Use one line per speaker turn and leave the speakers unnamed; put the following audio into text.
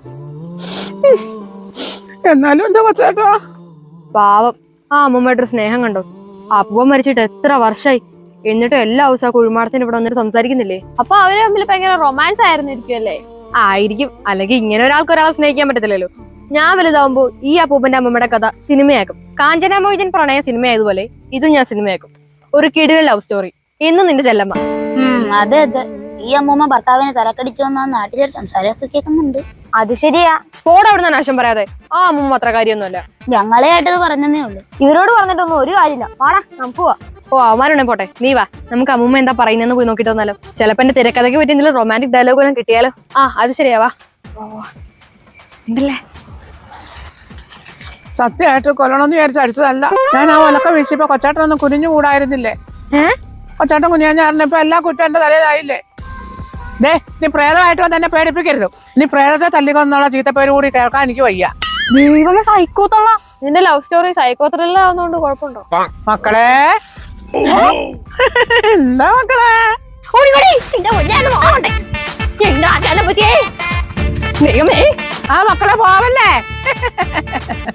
എന്നാലും എന്താ കൊച്ചേട്ടാ
പാവം ആ അമ്മൂമ്മയുടെ സ്നേഹം കണ്ടോ. അപ്പൂപ്പൻ മരിച്ചിട്ട് എത്ര വർഷമായി, എന്നിട്ടും എല്ലാ ദിവസവും ആ കുഴിമാടത്തിന് ഇവിടെ വന്നിട്ട് സംസാരിക്കുന്നില്ലേ.
അപ്പൊ അവര് തമ്മിൽ ഭയങ്കര റൊമാൻസ് ആയിരുന്നിരിക്കും അല്ലേ?
ആയിരിക്കും, അല്ലെങ്കിൽ ഇങ്ങനെ ഒരാൾക്ക് ഒരാളെ സ്നേഹിക്കാൻ പറ്റത്തില്ലല്ലോ. ഞാൻ വലുതാവുമ്പോ ഈ അപ്പൂപ്പന്റെ അമ്മമ്മയുടെ കഥ സിനിമയാക്കും. കാഞ്ചന മോചൻ പ്രണയ സിനിമയായതുപോലെ ഇതും ഞാൻ സിനിമയാക്കും. ഒരു കിടിലൻ ലവ് സ്റ്റോറി. ഇന്ന് നിന്റെ ചെല്ലമ്മ.
അതെ അതെ, ഈ അമ്മൂമ്മ ഭർത്താവിനെ തലക്കടിച്ചു വന്ന നാട്ടിലൊരു സംസാരമൊക്കെ കേൾക്കുന്നുണ്ട്.
അത് ശരിയാ. പോടെ അവിടെ നിന്ന് നാശം പറയാതെ. ആ അമ്മൂമ്മ അത്ര കാര്യമൊന്നുമല്ല.
ഞങ്ങളെ ആയിട്ടത് പറഞ്ഞതേ ഉള്ളൂ.
ഇവരോട് പറഞ്ഞിട്ടൊന്നും ഒരു കാര്യമില്ല. വാടാ നമുക്ക് പോവാ. ഓ അവന്മാരുണ്ടെ പോട്ടെ, നീ വാ. നമുക്ക് അമ്മൂമ്മ എന്താ പറയുന്നതെന്ന് പോയി നോക്കിട്ട് വന്നാലോ. ചിലപ്പോ എന്റെ തിരക്കഥയ്ക്ക് പറ്റി എന്തെങ്കിലും റൊമാൻറ്റിക് ഡയലോഗ് എല്ലാം കിട്ടിയാലോ. ആ അത് ശരിയാവാ. ഉണ്ടല്ലേ
സത്യമായിട്ട് കൊല്ലണമെന്ന് വിചാരിച്ച് അടിച്ചതല്ല. ഞാൻ ആ ഒലക്ക വീശിയപ്പോ കൊച്ചാട്ടനൊന്നും കുനിഞ്ഞു കൂടായിരുന്നില്ലേ. കൊച്ചാട്ടൻ കുനിയാഞ്ഞാറിനപ്പോ എല്ലാ കുറ്റം എന്റെ തലയിലായില്ലേ. ദേ നീ പ്രേതമായിട്ട് വന്ന് എന്നെ പേടിപ്പിക്കരുത്. നീ പ്രേതത്തെ തല്ലിക്കൊന്നുള്ള ചീത്തപ്പേര് കൂടി കേൾക്കാൻ എനിക്ക് വയ്യ.
ദൈവമേ സൈക്കോത്തുള്ള നിന്റെ ലവ് സ്റ്റോറി സൈക്കോ ത്രില്ലർ ആവുന്നോണ്ട് കുഴപ്പമുണ്ടോ?
മക്കളെ എന്താ മക്കളെ ആ മക്കളെ പോവല്ലേ.